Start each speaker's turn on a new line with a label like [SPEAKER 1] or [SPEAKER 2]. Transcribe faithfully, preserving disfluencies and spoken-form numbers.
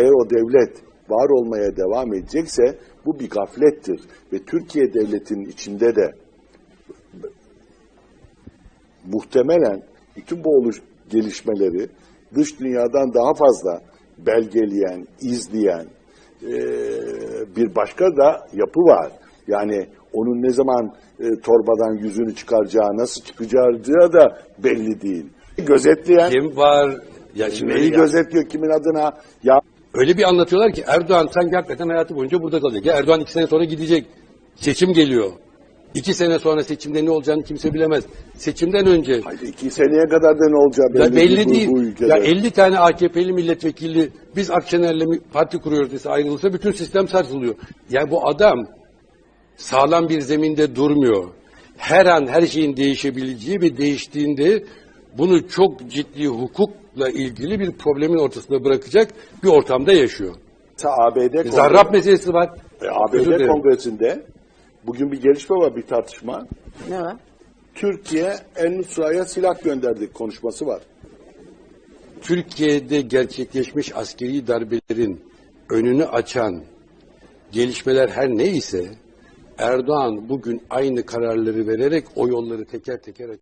[SPEAKER 1] eğer o devlet var olmaya devam edecekse bu bir gaflettir. Ve Türkiye devletinin içinde de muhtemelen bütün bu oluş gelişmeleri dış dünyadan daha fazla belgeleyen, izleyen e, bir başka da yapı var. Yani onun ne zaman e, torbadan yüzünü çıkaracağı, nasıl çıkacağı da belli değil. Gözetleyen
[SPEAKER 2] kim var? Ya şimdi
[SPEAKER 1] neyi
[SPEAKER 2] ya,
[SPEAKER 1] gözetliyor, kimin adına? Ya
[SPEAKER 2] öyle bir anlatıyorlar ki Erdoğan sanki hakikaten hayatı boyunca burada kalacak. Ya Erdoğan iki sene sonra gidecek. Seçim geliyor. İki sene sonra seçimde ne olacağını kimse bilemez. Seçimden önce.
[SPEAKER 1] haydi iki seneye kadar da ne olacağı belli,
[SPEAKER 2] Ya belli
[SPEAKER 1] bu,
[SPEAKER 2] değil.
[SPEAKER 1] Bu ülkede.
[SPEAKER 2] Ya elli tane A K P'li milletvekili biz Akşener'le parti kuruyoruz dese ayrılırsa bütün sistem sarsılıyor. Yani bu adam sağlam bir zeminde durmuyor. Her an her şeyin değişebileceği ve değiştiğinde bunu çok ciddi hukukla ilgili bir problemin ortasında bırakacak bir ortamda yaşıyor.
[SPEAKER 1] A B D
[SPEAKER 2] Zarrab meselesi var.
[SPEAKER 1] E, A B D Kongresi'nde bugün bir gelişme var, bir tartışma.
[SPEAKER 3] Ne var?
[SPEAKER 1] Türkiye En-Nusra'ya silah gönderdik konuşması var.
[SPEAKER 2] Türkiye'de gerçekleşmiş askeri darbelerin önünü açan gelişmeler her neyse Erdoğan bugün aynı kararları vererek o yolları teker teker